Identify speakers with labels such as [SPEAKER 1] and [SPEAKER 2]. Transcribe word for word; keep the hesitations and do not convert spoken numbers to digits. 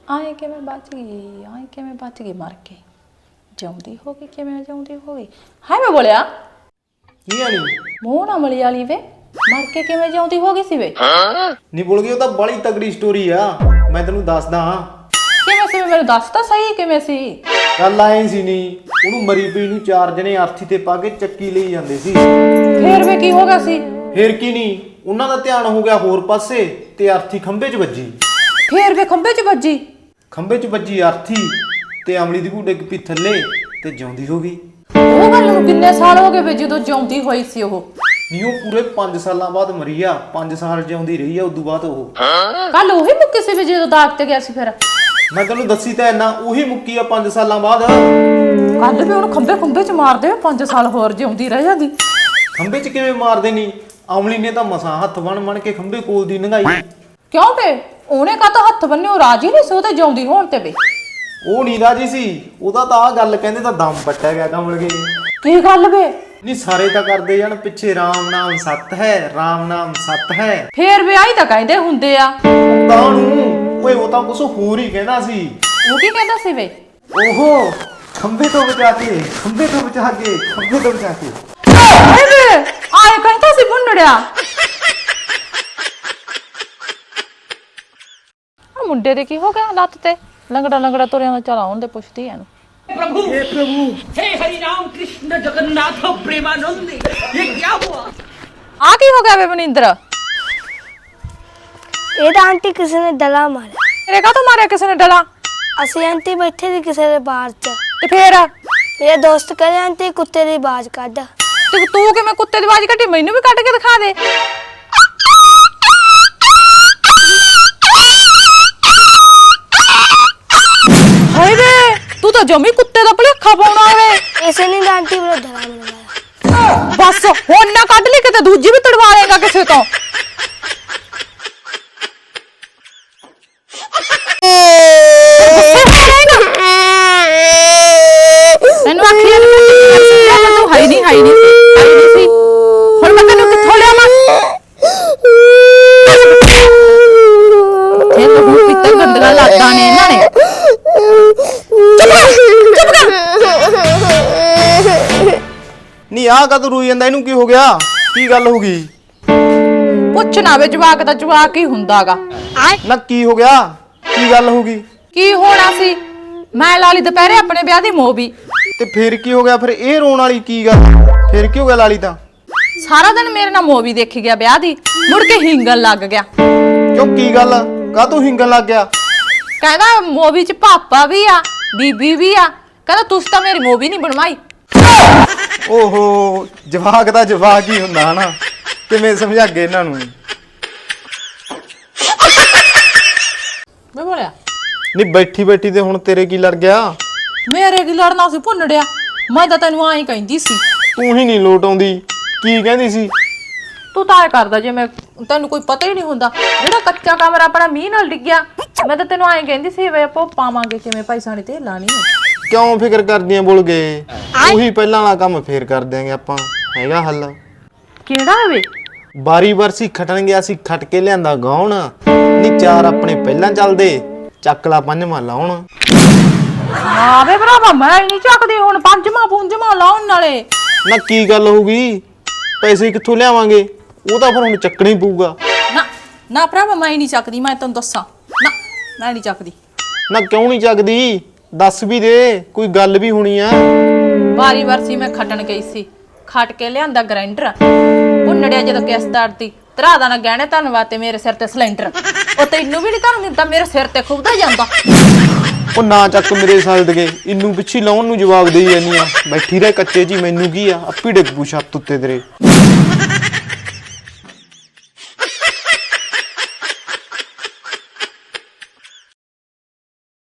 [SPEAKER 1] ਆਏ ਕਿਵੇਂ ਬਚ ਗਈ ਆਏ ਕਿਵੇਂ ਬਚ ਗਈ ਮਰ ਕੇ ਜਿਉਂਦੀ ਹੋ ਗਈ ਕਿਵੇਂ ਜਿਉਂਦੀ ਹੋ ਗਈ ਹਾਏ ਮੈਂ ਬੋਲਿਆ
[SPEAKER 2] ਕੀ ਆਣੀ
[SPEAKER 1] ਮੂੰਹ ਨਾ ਮਲੀ ਵਾਲੀ ਵੇ ਮਰ ਕੇ ਕਿਵੇਂ ਜਿਉਂਦੀ ਹੋ ਗਈ ਸੀ ਵੇ
[SPEAKER 2] ਨਹੀਂ ਬੋਲ ਗਈ ਉਹ ਤਾਂ ਬੜੀ ਤਗੜੀ ਸਟੋਰੀ ਆ ਮੈਂ ਤੈਨੂੰ ਦੱਸਦਾ ਹਾਂ
[SPEAKER 1] ਕਿਵੇਂ ਸੀ ਮੈਨੂੰ ਦੱਸ ਤਾਂ ਸਹੀ ਕਿਵੇਂ ਸੀ
[SPEAKER 2] ਗੱਲ ਆਏ ਸੀ ਨਹੀਂ ਉਹਨੂੰ ਮਰੀ ਪਈ ਨੂੰ ਚਾਰ ਜਣੇ ਆਰਥੀ ਤੇ ਪਾ ਕੇ ਚੱਕੀ ਲਈ ਜਾਂਦੇ ਸੀ
[SPEAKER 1] ਫੇਰ ਵੇ ਕੀ ਹੋ ਗਿਆ ਸੀ
[SPEAKER 2] ਫੇਰ ਕੀ ਨਹੀਂ ਉਹਨਾਂ ਦਾ ਧਿਆਨ ਹੋ ਗਿਆ ਹੋਰ ਪਾਸੇ ਤੇ ਆਰਥੀ ਖੰਭੇ 'ਚ ਵੱਜੀ
[SPEAKER 1] ਫੇਰ ਵੇ ਖੰਭੇ 'ਚ ਵੱਜੀ
[SPEAKER 2] ਖੰਭੇ 'ਚ ਵੱਜੀ ਆਰਥੀ ਤੇ ਅਮਲੀ ਦੀ ਭੂਡੇ ਡਿੱਗ ਪਈ ਥੱਲੇ ਤੇ ਜਿਉਂਦੀ ਹੋ ਗਈ
[SPEAKER 1] ਉਹ ਗੱਲ ਨੂੰ ਕਿੰਨੇ ਸਾਲ ਹੋ ਗਏ ਵੇ ਜਦੋਂ ਜਿਉਂਦੀ ਹੋਈ ਸੀ ਉਹ
[SPEAKER 2] ਨਹੀਂ ਉਹ ਪੂਰੇ ਪੰਜ ਸਾਲਾਂ ਬਾਅਦ ਮਰੀ ਆ ਪੰਜ ਸਾਲ ਜਿਉਂਦੀ ਰਹੀ ਆ ਉਦੋਂ ਬਾਅਦ ਉਹ
[SPEAKER 1] ਕੱਲ ਉਹੀ ਮੁੱਕੀ ਸੀ ਵੇ ਜਦੋਂ ਦਾਗ ਤੇ ਗਿਆ ਸੀ ਫਿਰ
[SPEAKER 2] ਮੈਂ ਤੈਨੂੰ ਦੱਸੀ ਤਾਂ ਇੰਨਾ ਉਹੀ ਮੁੱਕੀ ਆ ਪੰਜ ਸਾਲਾਂ ਬਾਅਦ
[SPEAKER 1] ਕੱਲ ਵੀ ਉਹਨੂੰ ਖੰਭੇ ਖੰਭੇ 'ਚ ਮਾਰਦੇ ਪੰਜ ਸਾਲ ਹੋਰ ਜਿਉਂਦੀ ਰਹਿ ਜਾਂਦੀ
[SPEAKER 2] ਖੰਭੇ 'ਚ ਕਿਵੇਂ ਮਾਰਦੇ ਨਹੀਂ ਅਮਲੀ ਨੇ ਤਾਂ ਮਸਾਂ ਹੱਥ ਬਣ ਬਣ ਕੇ ਖੰਭੇ ਕੋਲ ਦੀ ਲੰਘਾਈ
[SPEAKER 1] ਕਿਉਂ ਵੇ ਉਹਨੇ ਕਾ ਤਾਂ ਹੱਥ ਬੰਨੇ ਉਹ ਰਾਜੀ ਨਹੀਂ ਸੀ ਉਹ ਤੇ ਜਿਉਂਦੀ ਹੋਣ ਤੇ ਵੇ
[SPEAKER 2] ਉਹ ਨੀ ਰਾਜੀ ਸੀ ਉਹਦਾ ਤਾਂ ਆ ਗੱਲ ਕਹਿੰਦੇ ਤਾਂ ਦਮ ਪੱਟਿਆ ਗਿਆ ਕਮਲ ਕੇ
[SPEAKER 1] ਕੀ ਗੱਲ ਵੇ
[SPEAKER 2] ਨਹੀਂ ਸਾਰੇ ਤਾਂ ਕਰਦੇ ਜਾਣ ਪਿੱਛੇ ਰਾਮ ਨਾਮ ਸੱਤ ਹੈ ਰਾਮ ਨਾਮ ਸੱਤ ਹੈ
[SPEAKER 1] ਫੇਰ ਵਿਆਹੀ ਤਾਂ ਕਹਿੰਦੇ ਹੁੰਦੇ ਆ
[SPEAKER 2] ਤਾਂ ਨੂੰ ਓਏ ਉਹ ਤਾਂ ਕੁਛ ਹੋਰ ਹੀ ਕਹਿੰਦਾ ਸੀ
[SPEAKER 1] ਉਹ ਕੀ ਕਹਿੰਦਾ ਸੀ ਵੇ
[SPEAKER 2] ਓਹੋ ਖੰਭੇ ਤੋਂ ਬਚਾ ਕੇ ਖੰਭੇ ਤੋਂ ਬਚਾ ਕੇ ਖੰਭੇ ਤੋਂ ਬਚਾ ਕੇ
[SPEAKER 1] ਆਏ ਵੇ ਆਏ ਕਹਿੰਦਾ ਸੀ ਮੁੰਡੜਿਆ ਆ ਮੁੰਡੇ ਦੇ ਕੀ ਹੋ ਗਿਆ ਲੱਤ ਤੇ ਲੰਗੜਾ ਲੰਗੜਾ ਤੁਰਿਆਂ ਦਾ ਚਲਾ ਆਉਣ ਦੇ ਪੁੱਛਦੀ ਐ ਨੂੰ
[SPEAKER 3] प्रभु हे प्रभु हे हरि राम कृष्ण जगन्नाथ प्रेमानंद ये क्या हुआ
[SPEAKER 1] आ की हो गया वे मनिंदर
[SPEAKER 4] ਇਹ ਤਾਂ ਆਂਟੀ ਕਿਸੇ ਨੇ ਡਲਾ ਮਾਰਿਆ
[SPEAKER 1] ਤੇਰੇ ਕਾ ਤੋਂ ਮਾਰਿਆ ਕਿਸੇ ਨੇ ਡਲਾ
[SPEAKER 4] ਅਸੀਂ ਆਂਟੀ ਬੈਠੇ ਸੀ ਕਿਸੇ ਦੇ ਬਾਹਰ ਚ
[SPEAKER 1] ਤੇ ਫੇਰ
[SPEAKER 4] ਮੇਰੇ ਦੋਸਤ ਕਹਿੰਦੇ ਆਂਟੀ ਕੁੱਤੇ ਦੀ ਆਵਾਜ਼ ਕੱਢ
[SPEAKER 1] ਤੇ ਤੂੰ ਕਿਵੇਂ ਕੁੱਤੇ ਦੀ ਆਵਾਜ਼ ਕੱਢੀ ਮੈਨੂੰ ਵੀ ਕੱਢ ਕੇ ਦਿਖਾ ਦੇ ਹਾਏ ਵੇ ਤੂੰ ਤਾਂ ਜਮੀ ਕੁੱਤੇ ਦਾ ਭਲੇਖਾ ਪਾਉਣਾ ਵੇ
[SPEAKER 4] ਇਸੇ ਨੇ ਤਾਂ ਆਂਟੀ ਵੱਲੋਂ ਡਲਾ ਮਰਵਾਇਆ
[SPEAKER 1] ਬਸ ਹੁਣ ਨਾ ਕੱਢ ਲਈ ਕਿਤੇ ਦੂਜੀ ਵੀ ਤੜਵਾ ਲੇਗਾ ਕਿਸੇ ਤੋਂ ਤੈਨੂੰ ਆਖਿਆ ਨਹੀਂ ਤੂੰ ਹਾਈ ਨਹੀਂ ਹਾਈ ਨਹੀਂ ਹਾਈ ਨਹੀਂ ਸੀ ਹੁਣ ਮੈਂ ਤੈਨੂੰ ਕਿੱਥੋਂ ਲਿਆਵਾਂ ਇਹ ਤਾਂ ਹੁਣ ਕਿਤੇ ਗੰਦਲਾ ਲਾਤਾ ਨੇ ਇਹਨਾਂ ਨੇ
[SPEAKER 2] ਨਹੀਂ ਆਹ ਕਦ ਰੋਈ ਜਾਂਦਾ ਇਹਨੂੰ ਕੀ ਹੋ ਗਿਆ ਕੀ ਗੱਲ ਹੋ ਗਈ
[SPEAKER 1] ਪੁੱਛ ਨਾ ਵੇ ਜਵਾਕ ਦਾ ਜਵਾਕ ਹੀ ਹੁੰਦਾਗਾ
[SPEAKER 2] ਨਾ ਕੀ ਹੋ ਗਿਆ ਕੀ ਗੱਲ ਹੋ ਗਈ
[SPEAKER 1] ਕੀ ਹੋਣਾ ਸੀ ਮੈਂ ਲਾਲੀ ਦੁਪਹਿਰੇ ਆਪਣੇ ਵਿਆਹ ਦੀ ਮੋਬੀ
[SPEAKER 2] ਤੇ ਫੇਰ ਕੀ ਹੋ ਗਿਆ ਫਿਰ ਇਹ ਰੋਣ ਵਾਲੀ ਕੀ ਗੱਲ ਫੇਰ ਕੀ ਹੋ ਗਿਆ ਲਾਲੀ ਤਾਂ
[SPEAKER 1] ਸਾਰਾ ਦਿਨ ਮੇਰੇ ਨਾਲ ਮੋਬੀ ਦੇਖੀ ਗਿਆ ਵਿਆਹ ਦੀ ਮੁੜ ਕੇ ਹਿੰਗਣ ਲੱਗ ਗਿਆ
[SPEAKER 2] ਕਿਉਂ ਕੀ ਗੱਲ ਕਾ ਤੂੰ ਹਿੰਗਣ ਲੱਗ ਗਿਆ
[SPEAKER 1] ਕਹਿੰਦਾ ਮੋਬੀ ਚ ਪਾਪਾ ਵੀ ਆ ਬੀਬੀ ਵੀ ਆ ਕਹਿੰਦਾ ਤੁਸੀਂ ਤਾਂ ਮੇਰੀ ਮੋਬੀ ਨਹੀਂ ਬਣਵਾਈ
[SPEAKER 2] ਓਹੋ ਜਵਾਕ ਦਾ ਜਵਾਕ ਹੀ ਹੁੰਦਾ ਹਨਾ ਕਿਵੇਂ ਸਮਝਾਗੇ ਇਹਨਾਂ ਨੂੰ
[SPEAKER 1] ਮੈਂ ਬੋਲਿਆ
[SPEAKER 2] ਨਹੀਂ ਬੈਠੀ ਬੈਠੀ ਤੇ ਹੁਣ ਤੇਰੇ ਕੀ ਲੜ ਗਿਆ
[SPEAKER 1] ਮੇਰੇ ਕੀ ਲੜਨਾ ਸੀ ਭੁੰਨੜਿਆ ਮੈਂ ਤਾਂ ਤੈਨੂੰ ਆਈ ਕਹਿੰਦੀ ਸੀ
[SPEAKER 2] ਤੂੰ ਹੀ ਨਹੀਂ ਲੋਟ ਆਉਂਦੀ ਕੀ ਕਹਿੰਦੀ ਸੀ
[SPEAKER 1] ਤੂੰ ਤਾਂ ਐ ਕਰਦਾ ਜੇ ਮੈਂ ਤੈਨੂੰ ਕੋਈ ਪਤਾ ਹੀ ਨਹੀਂ ਹੁੰਦਾ ਜਿਹੜਾ ਕੱਚਾ ਕਮਰਾ ਆਪਣਾ ਮੀਂਹ ਨਾਲ ਡਿੱਗਿਆ ਮੈਂ ਤਾਂ ਤੈਨੂੰ ਆਈ ਕਹਿੰਦੀ ਸੀ ਵੇ ਆਪਾਂ ਪਾਵਾਂਗੇ ਕਿਵੇਂ ਪੈਸਾ ਨਹੀਂ ਤੇ ਲਾਣੀ
[SPEAKER 2] ਕਿਉਂ ਫਿਕਰ ਕਰਦੀਆਂ ਬੋਲ ਗਏ ਉਹੀ ਪਹਿਲਾਂ ਵਾਲਾ ਕੰਮ ਫੇਰ ਕਰ ਦਿਆਂਗੇ ਆਪਾਂ ਹੈਗਾ ਹੱਲ
[SPEAKER 1] ਕਿਹੜਾ ਵੇ
[SPEAKER 2] ਬਾਰੀ ਬਰਸੀ ਖਟਣ ਗਿਆ ਸੀ ਖਟ ਕੇ ਲਿਆਂਦਾ ਗਾਉਣ ਨੀ ਚਾਰ ਆਪਣੇ ਪਹਿਲਾਂ ਚੱਲਦੇ ਚੱਕਲਾ ਪੰਜਵਾਂ ਲਾਉਣ
[SPEAKER 1] ਹਾਂ ਵੇ ਭਰਾਵਾ ਮੈਂ ਨਹੀਂ ਚੱਕਦੀ ਹੁਣ ਪੰਜਵਾਂ ਪੁੰਜਵਾਂ ਲਾਉਣ ਨਾਲੇ
[SPEAKER 2] ਨਾ ਕੀ ਗੱਲ ਹੋ ਗਈ ਪੈਸੇ ਕਿੱਥੋਂ ਲਿਆਵਾਂਗੇ ਉਹ ਤਾਂ ਫਿਰ ਹੁਣ ਚੱਕਣਾ ਹੀ ਪਊਗਾ
[SPEAKER 1] ਨਾ ਨਾ ਭਰਾਵਾ ਮੈਂ ਨਹੀਂ ਚੱਕਦੀ ਮੈਂ ਤੈਨੂੰ ਦੱਸਾਂ ਨਾ ਮੈਂ ਨਹੀਂ ਚੱਕਦੀ
[SPEAKER 2] ਨਾ ਕਿਉਂ ਨਹੀਂ ਚੱਕਦੀ ਦੱਸ ਵੀ ਦੇ ਕੋਈ ਗੱਲ ਵੀ ਹੋਣੀ ਆ
[SPEAKER 1] ਵਾਰੀ ਵਰਸੀ ਮੈਂ ਖੱਟਣ ਗਈ ਸੀ ਖੱਟ ਕੇ ਲਿਆਂਦਾ ਗ੍ਰਾਈਂਡਰ ਭੁੰਨੜਿਆ ਜਦੋਂ ਕਿਸਦਾਰ ਦੀ ਤਰਾ ਦਾ ਨਾ ਗਹਿਣੇ ਧੰਨਵਾਦ ਤੇ ਮੇਰੇ ਸਿਰ ਤੇ ਸਿਲੰਡਰ ਉਹ ਤੈਨੂੰ ਵੀ ਨਹੀਂ ਤੁਹਾਨੂੰ ਦਿੱਤਾ ਮੇਰੇ ਸਿਰ ਤੇ ਖੁੱਬਦਾ ਜਾਂਦਾ
[SPEAKER 2] ਉਹ ਨਾ ਚੱਕ ਮੇਰੇ ਸਲਦਗੇ ਇੰਨੂੰ ਪਿੱਛੇ ਲਾਉਣ ਨੂੰ ਜਵਾਬ ਦੇਈ ਜਾਂਦੀ ਆ ਬੈਠੀ ਰਹਿ ਕੱਚੇ ਜੀ ਮੈਨੂੰ ਕੀ ਆ ਅੱਪੀ ਡਿੱਗ ਪੂ ਛੱਤ ਉੱਤੇ ਤੇਰੇ